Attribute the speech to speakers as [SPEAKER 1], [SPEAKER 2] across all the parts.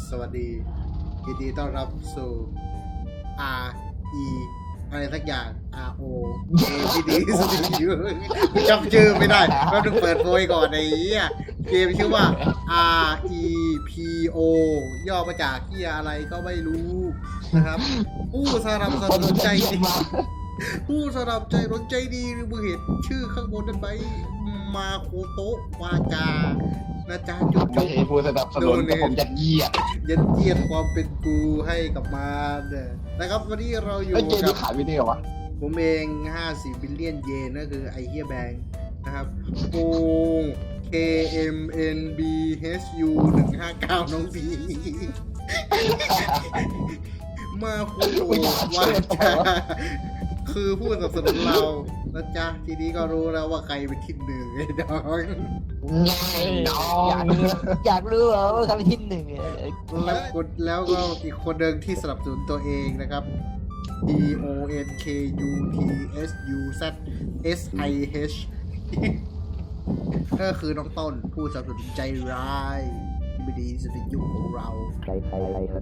[SPEAKER 1] สวัสดียินดีต้อนรับสู่ R E อะไรสักอย่าง R O A P D สติอยู่จำชื่อไม่ได้เราต้องเปิดโพยก่อนไอ้เหี้ยเกมชื่อว่า R E P O ย่อมาจากเหี้ยอะไรก็ไม่รู้นะครับผู้สนับสนุนใจดีผู้สนับใจรถใจดีหรือมึงเห็นชื่อข้างบนนั้นไหมมาโคโตะวาจานะจ๊ะจุ๊บ
[SPEAKER 2] ไม่ใช่ผู้สนับสนุนแต่ผมจะเยียด
[SPEAKER 1] ยัดเยียดความเป็นกูให้กับมันนะครับวันนี้เราอยู่
[SPEAKER 2] เกม
[SPEAKER 1] กั
[SPEAKER 2] นี้
[SPEAKER 1] บ
[SPEAKER 2] ขายวิดีโอวะ
[SPEAKER 1] ผมเอง54บิลเลียนเยนก็คือไอเฮียแบงค์นะครับปู KMNBHU 159น้องสีมาคุยว่าจะคือผู้สนับสนุนเรานะจ๊ะทีนี้ก็รู้แล้วว่าใครเป็นที่หนึ่งไอ้ดอง
[SPEAKER 3] อยากรู้ว่าใครเป็นที่หนึ่ง
[SPEAKER 1] แล้วก็อีกคนหนึ่งที่สนับสนุนตัวเองนะครับ DONKUTSUZSIH ก็คือน้องต้นผู้สนับสนุนใจร้ายที่ไม่ดีที่สุดในยุคของเรา
[SPEAKER 3] ใครครับ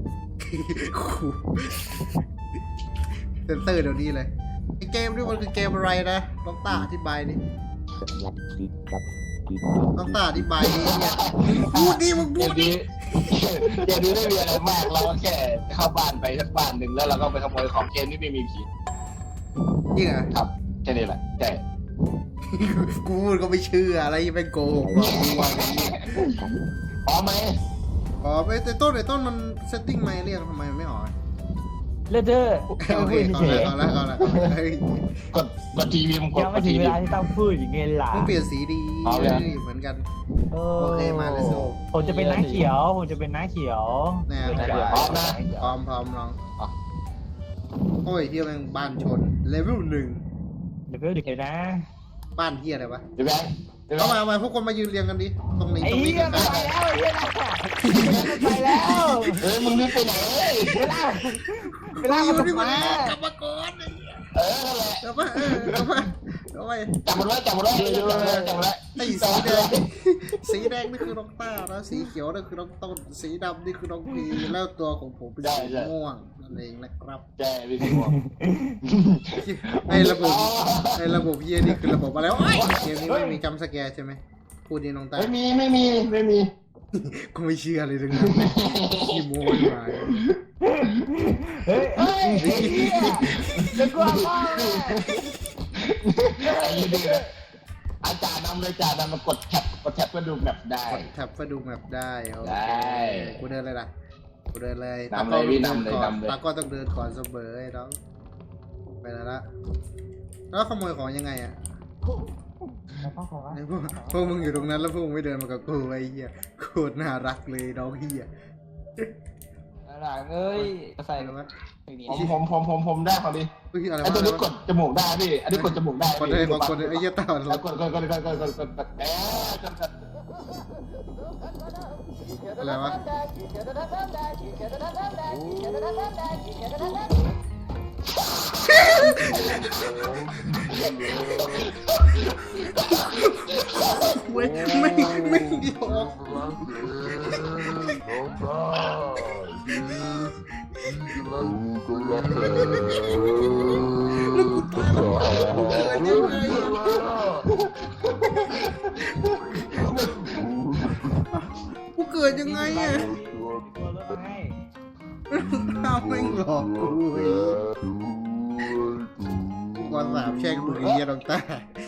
[SPEAKER 1] เซนเซอร์เดี๋ยวนี้เลยไอเกมนี่มันคือเกมอะไรนะน้องตาอธิบายดิ
[SPEAKER 3] ลัดคิดครับคิด
[SPEAKER 1] น้องตาอธิบายดิเนี่ยพูดดิมึง
[SPEAKER 2] เก
[SPEAKER 1] พู
[SPEAKER 2] ม
[SPEAKER 1] ดดิ
[SPEAKER 2] นี้เกมนี้ไม่มีอะไรมากเราก็แค่เข้าบ้านไปสักบ้านหนึ่งแล้วเราก็ไปขโมยของเกมนี้ไม่มีผี
[SPEAKER 1] จริงเหรอ
[SPEAKER 2] ครับแค่นี้แหละใช่
[SPEAKER 1] กูพูดก็ไม่เชื่ออะไรที่เป็นโกหกหรอกกูว่าอย่างนี้
[SPEAKER 2] พร้อมไหม
[SPEAKER 1] อ๋อไอ้ต้นมันเซตติ้งไม่เรียกทำไมมันไม่ออก
[SPEAKER 3] เลือดเด้อ
[SPEAKER 1] โอเคก่อนแล้วเฮ้ย
[SPEAKER 2] กดทีวีมันกด
[SPEAKER 3] ยังไม่ถึงเวลาที่ต้องพูดอย่างเงี้ยล่ะ
[SPEAKER 1] ต้องเปลี่ยนสีดีเหมือนกัน โอเคมาเลยโซ่
[SPEAKER 3] ผมจะเป็นน้าเขียวผมจะเป็นน้าเขียว
[SPEAKER 1] แน่
[SPEAKER 2] พร้อมนะ
[SPEAKER 1] พร้อมน้องโอ้ยเฮียแม่งบ้านชนเลเวล1
[SPEAKER 3] เดี๋ยวเดี๋ยวนะ
[SPEAKER 1] บ้านเฮียอะไรวะ
[SPEAKER 2] เดี๋ยวแบงค์เดี๋ยวแบ
[SPEAKER 1] เข้าง
[SPEAKER 2] ค์
[SPEAKER 1] มาพวกคนมายืนเรียงกันดิตรงนี้
[SPEAKER 3] ไอ้
[SPEAKER 1] ตรงนี้
[SPEAKER 3] เหี้ย
[SPEAKER 1] กัน
[SPEAKER 3] ไปแล้วไอ้เหี้ยไปแล้ว
[SPEAKER 2] มึงรีบไปไหน
[SPEAKER 3] เวลามันจะมาก
[SPEAKER 1] ลับมาก่อน
[SPEAKER 2] นั่นแหละ
[SPEAKER 1] กลับมากลับมา
[SPEAKER 2] จับมันไว้จับมันไว้จับมันไว้
[SPEAKER 1] ไอ้สีแดงสีแดงนี่คือน้องต้าแล้วสีเขียวนี่คือน้องต้นสีดำนี่คือน้องพีแล้วตัวของผมเป็นสีม่วงนั่นเองนะครับ
[SPEAKER 2] ใช่พี่สิงห์
[SPEAKER 1] ไอ้ระบบเฮียนี่คือระบบอะไรวะเกมนี้ไม่มีจัมป์สแกร์ใช่ไหมพูดดีน้องต้า
[SPEAKER 2] ไม่มี
[SPEAKER 1] กูไม่เชื่อเลยทั้งนั้นขี้โม้มา
[SPEAKER 3] เฮ้ยจะกลัวมาก
[SPEAKER 2] อาจารย์นำเลยจ่านำมากดแท็บก็ดูแบบได้
[SPEAKER 1] แท็บก็ดูแมปได้โอเค
[SPEAKER 2] ได้
[SPEAKER 1] กูเดินเลยล่ะกูเดินเลย
[SPEAKER 2] นำเลยพี่นำเลย
[SPEAKER 1] ตาก็ต้องเดินก่อนเสมอไอ้น้องไปแล้วละแล้วขโมยของยังไงอ่ะพวกมึงอยู่ตรงนั้นแล้วพวกมึงไม่เดินมากับกูไอ้เหี้ยโคตรน่ารักเลยน้องเหี้ย
[SPEAKER 3] หลังเอ้ยใส่
[SPEAKER 1] อะไรวะ
[SPEAKER 2] ผมได้พอดี
[SPEAKER 1] เฮ้ยอะไร
[SPEAKER 2] ไอ้
[SPEAKER 1] วะ
[SPEAKER 2] ตัวนี้กดจมูกได้พี่อันนี้กดจมูกได้
[SPEAKER 1] กดได้กดไอ้เหี้ยตา
[SPEAKER 2] แล้วกด
[SPEAKER 1] อะไรวะไม่เดียวกูเกิดยังไงอ่ะข้าวไม่หลอกกูก่อนสามแช่งกูไอ้เหี้ยน้องตา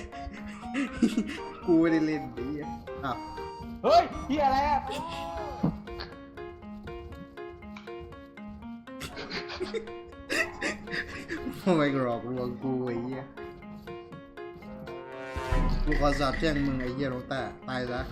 [SPEAKER 1] กูไม่ได้เล่นดิอ้าว
[SPEAKER 3] เฮ้ยเหี้ยอะไรอ่ะ
[SPEAKER 1] ทำไมหลอกลวงกูไอ้เหี้ยกูขอสาบแช่งมึงไอ้เหี้ยน้องตาตายซะ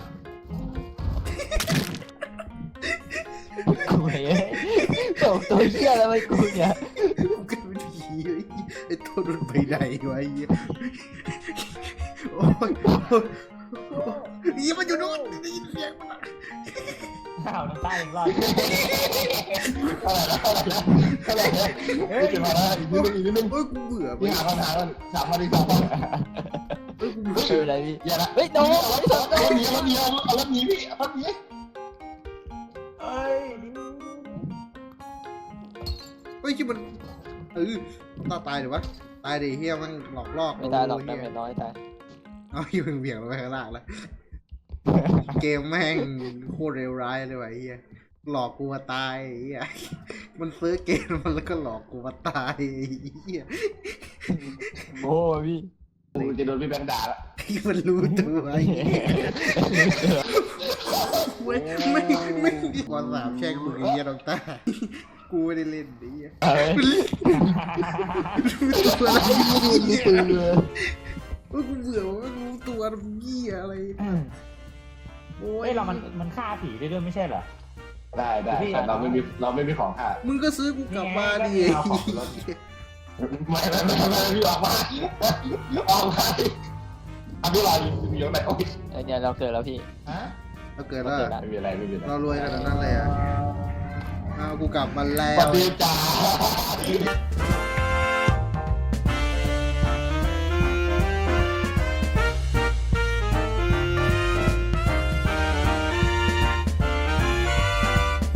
[SPEAKER 3] กูเฮ้ยส่งตัวเหี้ยอะไรไปกูเนี่ย
[SPEAKER 1] กูเกิดเป็นผีไอ้ตัวโดนไปไหนวะไอ้เหี้ยโอ้ยยี่มันอยู่โน่นได้ยินเสียงมันอ่ะ
[SPEAKER 3] อ้าวน้ำตาอีกรอบ
[SPEAKER 2] เฮ้ยจะมาแล้วอีกนิดนึง
[SPEAKER 1] เอ้ยกูเบื่อไป
[SPEAKER 2] พี่หาปัญหากัน3 นาที
[SPEAKER 1] เอ้ยกูเบื่อ
[SPEAKER 3] ไม่เป็นไรพี่
[SPEAKER 2] อย่าละ
[SPEAKER 3] เฮ้ยโดนไม่โดน
[SPEAKER 2] เอารถหนีพี่เอารถหนี
[SPEAKER 3] เอ้ย
[SPEAKER 1] ฮ้ยที่มันตายหรือวะตายดิเฮียมันหลอกลอก
[SPEAKER 3] ไม่ตายหรอก
[SPEAKER 1] เฮี
[SPEAKER 3] ดาย เมจน้อยตาย
[SPEAKER 1] เอาอยู่เบี่ยงลงไปข้างล่างแล้วเกมแม่งโคตรเลวร้ายเลยว่ะเฮียหลอกกูมาตายเฮียมันซื้อเกมมันแล้วก็หลอกกูมาตายเฮีย
[SPEAKER 3] โอ้พี่
[SPEAKER 2] กูจะโดนพี่แบงค์ด่าละ
[SPEAKER 1] ที่มันรู้ตัวไอ้เหี้ยไม่วันสามแช่งกูไอ้เหี้ยน้องตากูไม่ได้เล่นไอ้เหี้ยรู้ตัวแล้วกูเบื่อว่ารู้ตัวเหี้ยอะไรโอ้
[SPEAKER 4] เฮ้
[SPEAKER 1] ย
[SPEAKER 4] ยมันฆ่าผีได้ด้วยไม่ใช่เหรอ
[SPEAKER 2] ได้เราไม่มีของค่ะ
[SPEAKER 1] มึงก็ซื้อกูกลับมาดิ
[SPEAKER 2] ไม่พี่ออกมาอภิวัยมีอยู่ไหนโอ้ย
[SPEAKER 3] เนี่ยเราเกิดแล้วพี่
[SPEAKER 4] ฮะ
[SPEAKER 1] เราเกิดแล้ว
[SPEAKER 2] ไม่มีอะไร
[SPEAKER 1] เรารวยขนาดนั้นเลยอ่ะเอากูกลับมาแล้
[SPEAKER 2] สวั
[SPEAKER 1] ว
[SPEAKER 2] สดีจ้า